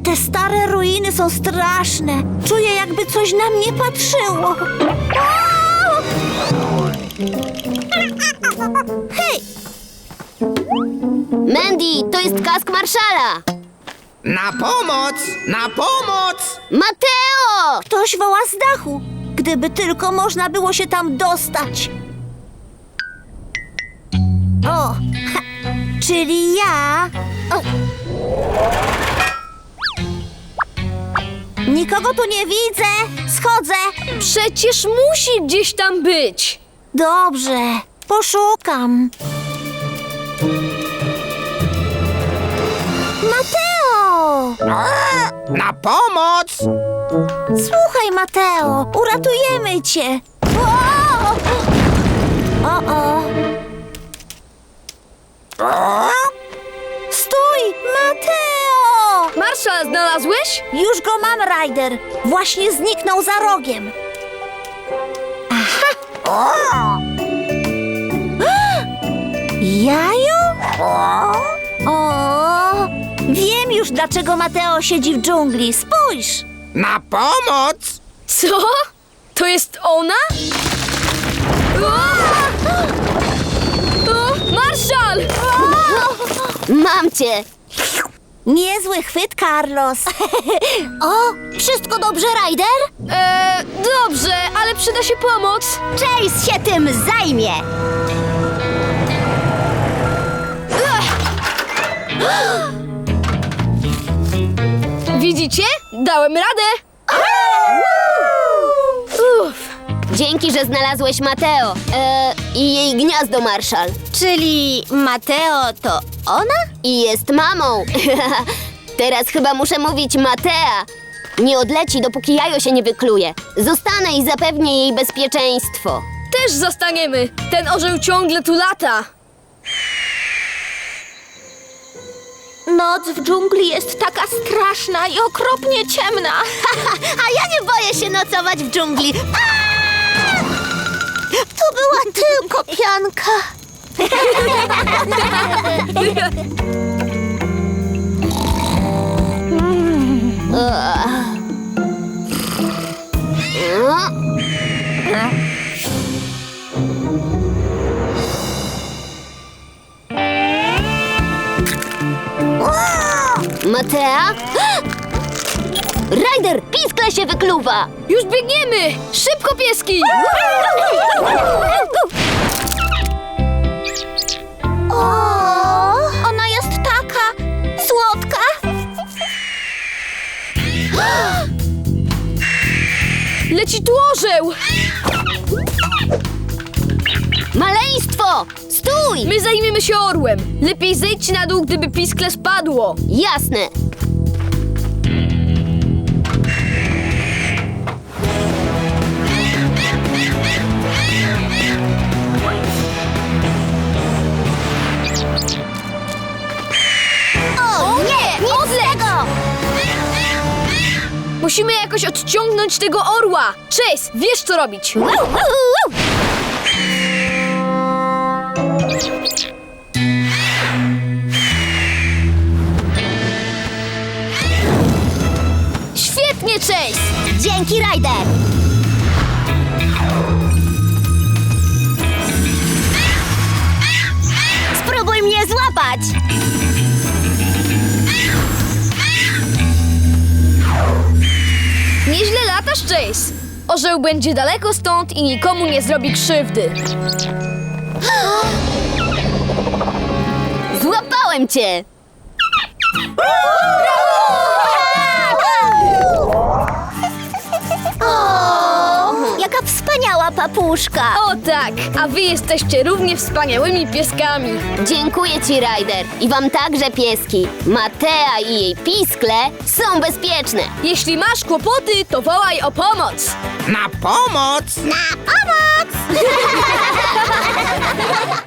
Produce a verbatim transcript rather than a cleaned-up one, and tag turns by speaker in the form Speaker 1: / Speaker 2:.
Speaker 1: Te stare ruiny są straszne. Czuję, jakby coś na mnie patrzyło. O! Hej!
Speaker 2: Mandy, to jest kask Marszala!
Speaker 3: Na pomoc! Na pomoc!
Speaker 2: Mateo!
Speaker 1: Ktoś woła z dachu. Gdyby tylko można było się tam dostać. O, ha, czyli ja. O. Nikogo tu nie widzę. Schodzę.
Speaker 4: Przecież musi gdzieś tam być.
Speaker 1: Dobrze, poszukam. Mateo!
Speaker 3: Na pomoc!
Speaker 1: Słuchaj, Mateo, uratujemy cię. O! O-o. Stój, Mateo!
Speaker 4: Marszal, znalazłeś?
Speaker 1: Już go mam, Ryder. Właśnie zniknął za rogiem. Aha! Jaju? O! Wiem już, dlaczego Mateo siedzi w dżungli. Spójrz!
Speaker 3: Na pomoc!
Speaker 4: Co? To jest ona? O! O, Marszal!
Speaker 2: Mam cię!
Speaker 1: Niezły chwyt, Carlos. O, wszystko dobrze, Ryder?
Speaker 4: E, dobrze, ale przyda się pomoc.
Speaker 1: Chase się tym zajmie.
Speaker 4: Widzicie? Dałem radę. Uff.
Speaker 2: Dzięki, że znalazłeś Mateo e, i jej gniazdo, Marszal.
Speaker 1: Czyli Mateo to ona?
Speaker 2: I jest mamą. Teraz chyba muszę mówić Matea. Nie odleci, dopóki jajo się nie wykluje. Zostanę i zapewnię jej bezpieczeństwo.
Speaker 4: Też zostaniemy. Ten orzeł ciągle tu lata.
Speaker 1: Noc w dżungli jest taka straszna i okropnie ciemna. A ja nie boję się nocować w dżungli. Aaa! To była tylko pianka.
Speaker 2: Matea? Ryder, piskle się wykluwa!
Speaker 4: Już biegniemy! Szybko, pieski!
Speaker 1: O, ona jest taka słodka.
Speaker 4: Leci tu orzeł!
Speaker 2: Maleństwo! Stój!
Speaker 4: My zajmiemy się orłem. Lepiej zejdź na dół, gdyby piskle spadło.
Speaker 2: Jasne.
Speaker 1: O nie, nic z tego.
Speaker 4: Musimy jakoś odciągnąć tego orła. Chase, wiesz co robić. Świetnie, Chase!
Speaker 1: Dzięki, Ryder. Spróbuj mnie złapać.
Speaker 4: Nieźle latasz, Chase. Orzeł będzie daleko stąd i nikomu nie zrobi krzywdy.
Speaker 2: Złapałem cię!
Speaker 1: O, jaka wspaniała papuszka.
Speaker 4: O tak, a wy jesteście równie wspaniałymi pieskami.
Speaker 2: Dziękuję ci, Ryder. I wam także, pieski. Matea i jej piskle są bezpieczne.
Speaker 4: Jeśli masz kłopoty, to wołaj o pomoc.
Speaker 3: Na pomoc!
Speaker 1: Na pomoc!